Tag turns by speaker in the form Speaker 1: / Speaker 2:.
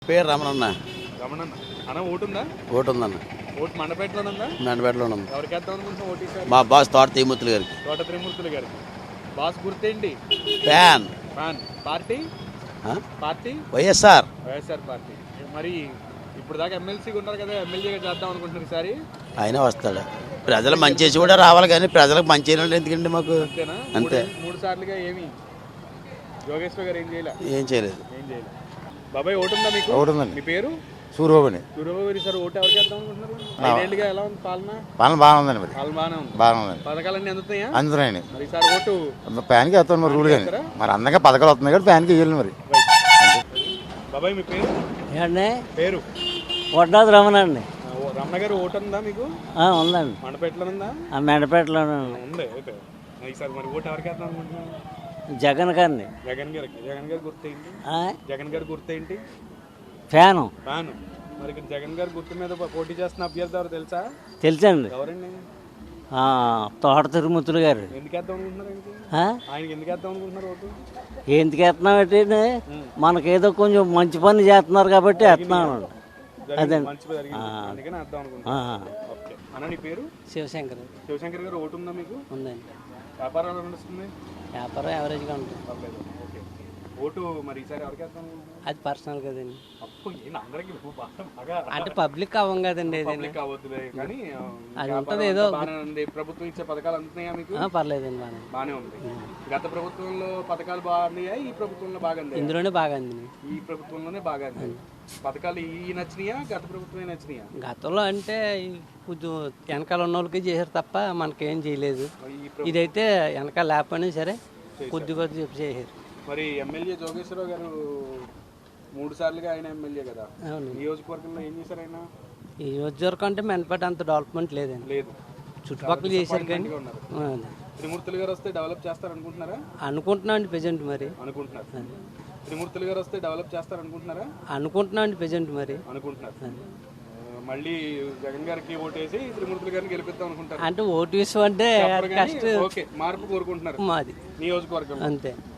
Speaker 1: పేరు రమణన్న.
Speaker 2: రమణన్న అన్న ఓటు ఉందా?
Speaker 1: ఓటు ఉందన్న.
Speaker 2: ఓటు మండపేటలో ఉందా?
Speaker 1: మెండపేటలో ఉంది.
Speaker 2: ఎవరికి వేద్దాం అనుకుంటున్నాం ఓటు ఈసారి?
Speaker 1: మా బాస్ తోట తీమూర్తులు గారికి.
Speaker 2: తోట త్రిమూర్తులు గారికి. బాస్ గుర్తేంటి?
Speaker 1: Fan.
Speaker 2: Fan. Party party
Speaker 1: YSR.
Speaker 2: YSR party. మరి ఇప్పుడు దాకా ఎమ్మెల్సీగా ఉన్నారు కదా, ఎమ్మెల్యేగా చేద్దాం అనుకుంటున్నారు ఈసారి.
Speaker 1: ఆయన వస్తాడు. ప్రజలు మంచి చేసి కూడా రావాలి, కానీ ప్రజలకు మంచి చేయడం ఎందుకండి మాకు?
Speaker 2: అంతేనా?
Speaker 1: అంతే.
Speaker 2: మూడు సార్లుగా ఏమి యోగేశ్వర్ గారు ఏం చేయలే?
Speaker 1: ఏం చేయలేదు.
Speaker 2: ఏం చేయలేదు. బాబాయ్ ఓటు ఉందా మీకు?
Speaker 3: ఓటు ఉందండి.
Speaker 2: మీ పేరు?
Speaker 3: సూర్యబాబుని.
Speaker 2: సూర్యబాబు గారు ఈసారి ఓటు ఎవరికి వేద్దాం అనుకుంటున్నారు? 5 ఏళ్ళుగా ఎలా ఉంది పాలన?
Speaker 3: పాలన బాగానే ఉందండి. మరి
Speaker 2: పాలన బాగానే ఉంది.
Speaker 3: బాగానే ఉందండి.
Speaker 2: పథకాలన్నీ అందుతాయా?
Speaker 3: అందుతున్నాయండి.
Speaker 2: మరి ఈసారి ఓటు
Speaker 3: ప్యాన్కి వేస్తాను మరి రూల్ కానీ. మరి అందంగా పథకాలు వస్తున్నాయి కదా, ప్యాన్కి వేయాలి మరి.
Speaker 2: బాబాయ్ మీ పేరు?
Speaker 4: ఏమండి
Speaker 2: పేరు
Speaker 4: వడ్డాది రమణ అండి.
Speaker 2: రమణ గారు ఓటు ఉందా మీకు?
Speaker 4: ఉందండి.
Speaker 2: మండపేటలో ఉందా?
Speaker 4: మెండపేటలోనే
Speaker 2: ఉంది. ఓకే. ఈసారి మరి ఓటు ఎవరికి వేద్దాం అనుకుంటున్నాను?
Speaker 4: జగన్ గారిని.
Speaker 2: జగన్ గారికి. జగన్ గారి గుర్తేంటి? జగన్ గారి గుర్తేంటి?
Speaker 4: ఫ్యాను.
Speaker 2: ఫ్యాను. మరి ఇక్కడ జగన్ గారి గుర్తు మీద పోటీ చేస్తున్న అభ్యర్థి ఎవరు తెలుసా?
Speaker 4: తెలుసండి.
Speaker 2: ఎవరండి?
Speaker 4: తోట తిరుమూర్తులు గారు.
Speaker 2: ఎందుకు వేద్దాం అనుకుంటున్నారు ఆయనకి? ఆయనకి ఎందుకు వేద్దాం అనుకుంటున్నారు ఓటు?
Speaker 4: ఎందుకు వేస్తున్నాం అంటే మనకేదో కొంచెం మంచి పని చేస్తున్నారు కాబట్టి వేస్తున్నాం. అదే
Speaker 2: మంచి జరిగింది అందుకని వేద్దాం అనుకుంటున్నాను. ఓకే అన్న, నీ పేరు?
Speaker 4: శివశంకర్.
Speaker 2: శివశంకర్ గారు ఓటు ఉందా మీకు?
Speaker 4: ఉందండి.
Speaker 2: వ్యాపారం ఎలా నడుస్తుంది?
Speaker 4: వ్యాపారం యావరేజ్గా ఉంటుంది.
Speaker 2: పర్లేదు. ఓకే. ఓటు మరి ఈసారి ఎవరికి వేద్దాం?
Speaker 4: అది పర్సనల్ కదండి.
Speaker 2: అప్పు అందరికి బాగా
Speaker 4: అంటే పబ్లిక్ అవ్వం కదండి.
Speaker 2: పబ్లిక్ అవ్వద్దులే కానీ
Speaker 4: అది ఉంటుంది ఏదో.
Speaker 2: బాగానే ఉంది. ప్రభుత్వం ఇచ్చే పథకాలు అందుతున్నాయా మీకు?
Speaker 4: పర్లేదండి.
Speaker 2: బాగానే ఉంది. గత ప్రభుత్వంలో పథకాలు బాగున్నాయా? ఈ ప్రభుత్వంలో బాగా అంది?
Speaker 4: ఇందులోనే బాగా అంది.
Speaker 2: ఈ ప్రభుత్వంలోనే బాగా అంది. పథకాలు ఈ నచ్చినాయా గత ప్రభుత్వమే నచ్చినాయా?
Speaker 4: గతంలో అంటే కొంచెం వెనకాల ఉన్న వాళ్ళకి చేశారు తప్ప మనకేం చేయలేదు. ఇదైతే వెనకాల లేకపోయినా సరే కొద్ది కొద్ది చెప్పి చేశారు.
Speaker 2: మరి ఎమ్మెల్యే జోగేశ్వరరావు గారు 3 సార్లుగా ఆయన ఎమ్మెల్యే కదా, నియోజకవర్గంలో ఏం చేశారు ఆయన?
Speaker 4: ఈ నియోజకవర్గం అంటే మెనపేట అంత డెవలప్మెంట్ లేదండి.
Speaker 2: లేదు.
Speaker 4: చుట్టుపక్కల చేశారు కానీ.
Speaker 2: త్రిమూర్తులు గారు వస్తే డెవలప్ చేస్తారు అనుకుంటున్నారా?
Speaker 4: అనుకుంటున్నాం అండి ప్రెజెంట్ మరి.
Speaker 2: అనుకుంటున్నారు. త్రిమూర్తులు గారు వస్తే డెవలప్ చేస్తారు అనుకుంటున్నారా?
Speaker 4: అనుకుంటున్నాం అండి ప్రెజెంట్ మరి.
Speaker 2: అనుకుంటున్నారు. మళ్ళీ జగన్ గారికి ఓటేసి త్రిమూర్తులు గారిని గెలిపిద్దాం అనుకుంటారు.
Speaker 4: అంటే ఓటు విషయం అంటే
Speaker 2: ఓకే, మార్పు కోరుకుంటున్నారు
Speaker 4: మాది
Speaker 2: నియోజకవర్గం.
Speaker 4: అంతే.